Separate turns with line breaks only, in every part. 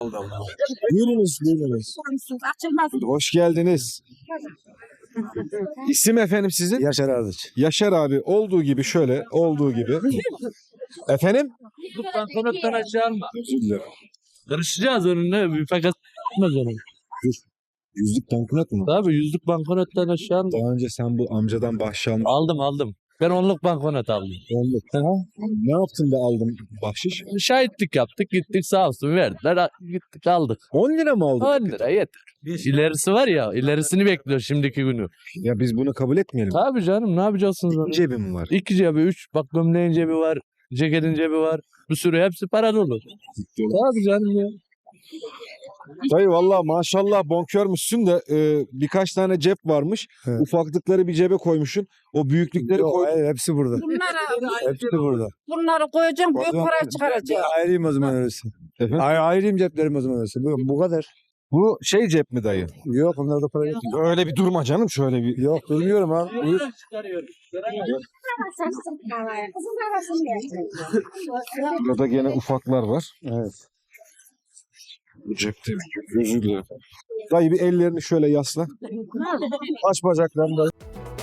Buyurunuz, buyurunuz. Hoş geldiniz. İsim efendim sizin?
Yaşar Ardıç.
Yaşar abi olduğu gibi şöyle olduğu gibi. Efendim?
Banknottan aşağı alma. Karışacağız onunla. Bir fakat tutmaz onu.
Yüzlük banknot mu?
Tabii yüzlük banknottan aşağı alma.
Daha önce sen bu amcadan bahşiş
Aldım. Ben onluk banknot aldım.
Ne yaptın da aldın bahşiş?
Şahitlik yaptık gittik sağ olsun verdiler gittik aldık.
10 lira mı aldın?
10 lira yeter. İlerisi var ya ilerisini bekliyor şimdiki günü.
Ya biz bunu kabul etmeyelim.
Tabii canım ne yapacaksınız onu?
Cebim var.
2 cebi 3 bak gömleğin cebi var. Ceketin cebi var. Bir sürü hepsi para dolu. Tabii canım ya.
Dayı valla maşallah bonkörmüşsün de birkaç tane cep varmış.
Evet.
Ufaklıkları bir cebe koymuşsun. O büyüklükleri
Yok,
koy.
hayır, hepsi burada. Hepsi burada.
Bunları koyacağım, büyük para çıkaracağım.
Ayrıyım o zaman öylesi.
Efendim?
Ayrıyım ceplerim o zaman öylesi. Bu kadar.
Bu şey cep mi dayı?
Yok onlarda para yok.
Öyle bir durma canım şöyle bir.
Yok bilmiyorum abi. Buyur.
Burada gene ufaklar var.
Evet.
Bu cepte özür dilerim. Dayı bir ellerini şöyle yasla. Aç bacaklarını da.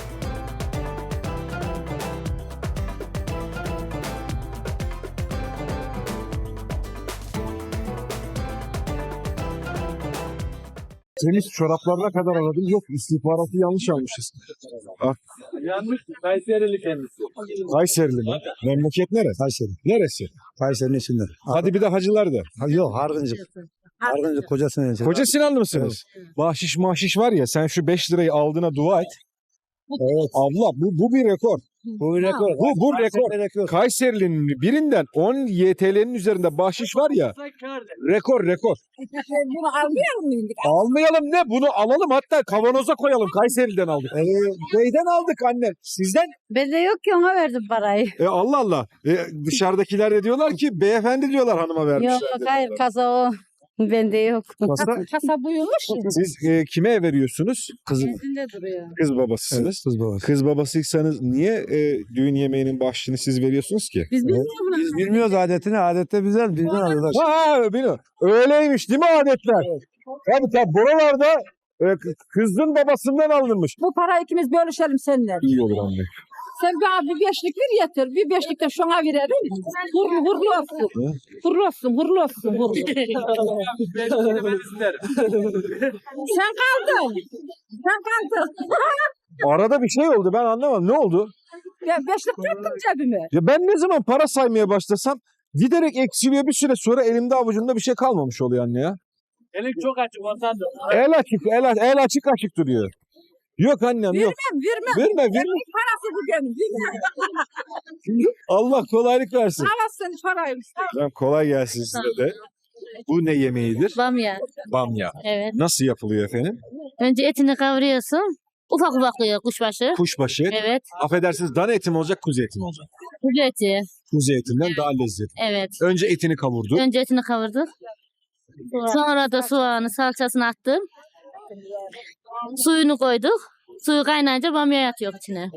Temiz çoraplarına kadar aradım. Yok istihbaratı yanlış almışız.
Yanlış Kayserili kendisi.
Kayserili mi? Memleket neresi?
Kayseri.
Neresi?
Kayseri'nin içinde.
Hadi bir de hacılar da.
Yok Hargıncık. Hargıncık kocasının içinde.
Koca Sinanlı mısınız? Bahşiş mahşiş var ya sen şu 5 lirayı aldığına dua et.
Evet.
Abla bu bir rekor.
Bu bir rekor.
Bu rekor.
Kayseri rekor.
Kayseri'nin birinden 10 YTL'nin üzerinde bahşiş var ya. Rekor.
Bunu almayalım mı?
Almayalım ne? Bunu alalım hatta kavanoza koyalım. Kayseri'den aldık. Neyden aldık anne? Sizden?
Ben de yok ki ona verdim parayı.
Allah Allah. Dışarıdakiler de diyorlar ki beyefendi diyorlar hanıma vermişler.
Yok hayır kasa o. Bende yok.
Kasa-
Kasa buyurmuş ya.
Siz kime veriyorsunuz? Kızım.
Bizinde duruyor.
Kız babasısınız.
Kız babası.
Kız babasıysanız niye düğün yemeğinin başlığını siz veriyorsunuz ki?
Biz bilmiyoruz bunu.
Biz bilmiyoruz adetini. Adette bizden alıyorlar.
Ha bilmiyorum. Öyleymiş değil mi adetler? Tabii buralarda kızın babasından alınmış.
Bu parayı ikimiz bölüşelim seninle.
İyi olur anne.
Sen bana bir beşlik ver yeter. Bir beşlik de şuna verelim. Hurlu olsun. Hurlu olsun, hurlu olsun. Hurlu. Sen kaldın. Sen kaldın.
Arada bir şey oldu ben anlamadım. Ne oldu?
Ben beşlik tuttum cebime.
Ya ben ne zaman para saymaya başlasam giderek eksiliyor bir süre sonra elimde avucumda bir şey kalmamış oluyor anne ya.
Elin çok açık ondan da.
El açık duruyor. Yok annem yok.
Vermem.
Verme.
Parası bu benim.
Allah kolaylık versin.
Alasın parayı.
Tamam, kolay gelsin size de. Bu ne yemeğidir?
Bamya.
Bamya.
Evet.
Nasıl yapılıyor efendim?
Önce etini kavuruyorsun. Ufak ufak koyuyor kuşbaşı.
Kuşbaşı.
Evet.
Affedersiniz dana eti mi olacak kuzu eti mi olacak?
Kuzu eti.
Kuzu etinden daha lezzetli.
Evet.
Önce etini kavurdu.
Önce etini kavurduk. Sonra da soğanı, salçasını attım. Suyunu koyduk. Suyu kaynayınca bamya atıyor içine.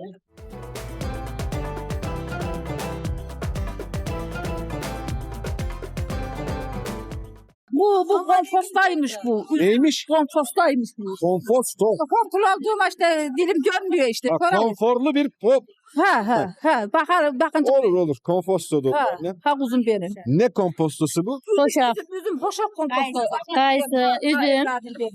Bu kompostaymış bu.
Neymiş?
Kompostaymış bu.
Konfosto.
Korkul olduğum işte dilim görmüyor işte.
Ha,
Böyle.
konforlu bir pop.
Ha. Bakınca.
Olur. Komposto da olur.
Ha,
Ne?
ha kuzum benim.
Ne kompostosu bu?
Hoşaf,
Üzüm hoşaf kompostu.
kayısı, üzüm.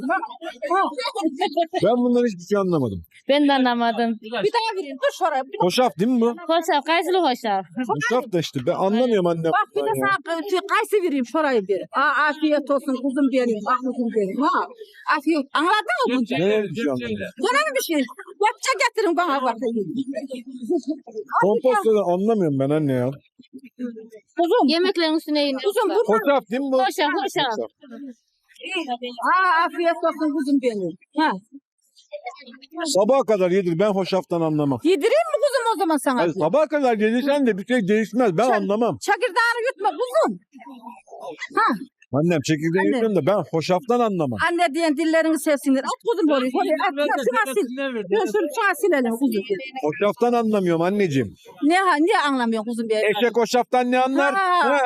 Ben bundan hiçbir şey anlamadım.
Ben de anlamadım.
Bir daha vereyim. Dur şuraya.
Hoşaf değil mi bu?
Hoşaf, kayısılı hoşaf.
Hoşaf da işte ben anlamıyorum annem.
Bak bir de sana kayısı vereyim şurayı bir. Afiyet olsun kuzum benim. Ah kuzum benim. Ha. Afiyet. Anladın mı bunu?
Ne bir şey anlamadım.
Sana bir şey. Yapça getirin bana bak.
Komposto da anlamıyorum ben anne ya.
Kuzum.
Yemeklerin üstüne iniyor.
Kuzum dur.
Hoşaf değil mi bu?
Hoşaf.
Afiyet olsun kuzum benim. Ha.
Sabaha kadar yedir ben hoşaftan anlamam.
Yedireyim mi kuzum o zaman sana?
Hayır, sabaha kadar yedirsen de bir şey değişmez ben anlamam.
Çakırdağını yutma kuzum. Ha.
Annem çekirdeği
Anne.
yiyorum da ben hoşaftan anlamam.
Anne diyen dillerini sevsinler. At kuzum oraya. Oraya at. Şuna sil. Şuna silelim kuzum.
Hoşaftan anlamıyorum anneciğim.
Niye anlamıyorsun kuzum benim?
Eşek hoşaftan ne anlar?
Ha.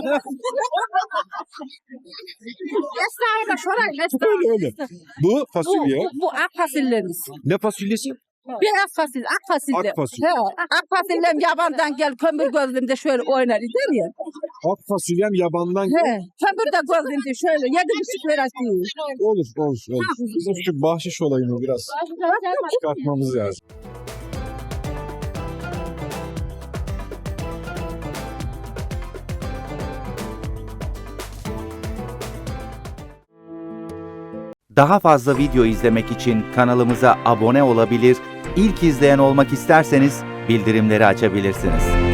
Esra'yı da şoray.
Öyle. Bu fasulye.
Bu ak fasulyelerimiz.
Ne fasulyesi?
Beyaz fasulye, ak fasulye.
Ak fasulye.
He, ak fasulyem yabandan gel kömür gözlümde şöyle oynar gider ya.
Ak fasulyem yabandan
He, kömür de gözlümde şöyle 7,5 lira değil.
olur. Bizim şu bahşiş olayını biraz çıkartmamız lazım.
Daha fazla video izlemek için kanalımıza abone olabilir, ilk izleyen olmak isterseniz bildirimleri açabilirsiniz.